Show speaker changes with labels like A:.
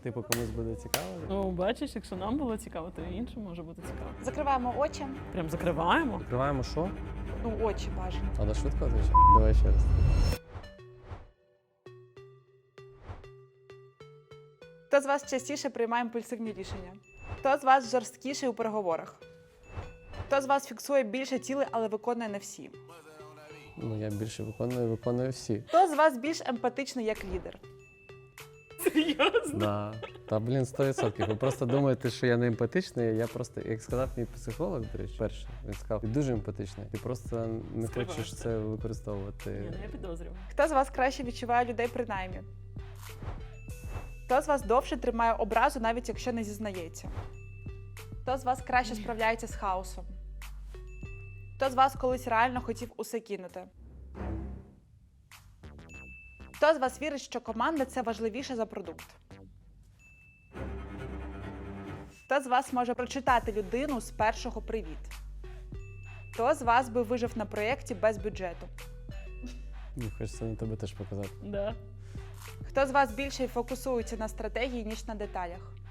A: типу, комусь буде цікаво.
B: Ну, бачиш, якщо нам було цікаво, то і іншим може бути цікаво.
C: Закриваємо очі.
B: Прям закриваємо.
A: Відкриваємо що?
C: Ну, очі бажано.
A: Треба швидко отвечати? Давай ще раз.
C: Хто з вас частіше приймає імпульсивні рішення? Хто з вас жорсткіший у переговорах? Хто з вас фіксує більше цілей, але виконує не всі?
A: Ну, я більше виконую всі.
C: Хто з вас більш емпатичний як лідер?
B: Серйозно?
A: Да. Та, блін, 100%. Ви просто думаєте, що я не емпатичний, я просто, як сказав мій психолог, до речі, перший, він сказав, ти дуже емпатичний, ти просто не
B: Скриваєш
A: хочеш
B: це.
A: це використовувати.
B: Ні, ну я підозрюю.
C: Хто з вас краще відчуває людей при наймі? Хто з вас довше тримає образу, навіть якщо не зізнається? Хто з вас краще справляється з хаосом? Хто з вас колись реально хотів усе кинути? Хто з вас вірить, що команда – це важливіше за продукт? Хто з вас може прочитати людину з першого «привіт»? Хто з вас би вижив на проєкті без бюджету?
A: Мені хочеться на тебе теж показати.
B: Да.
C: Хто з вас більше фокусується на стратегії, ніж на деталях?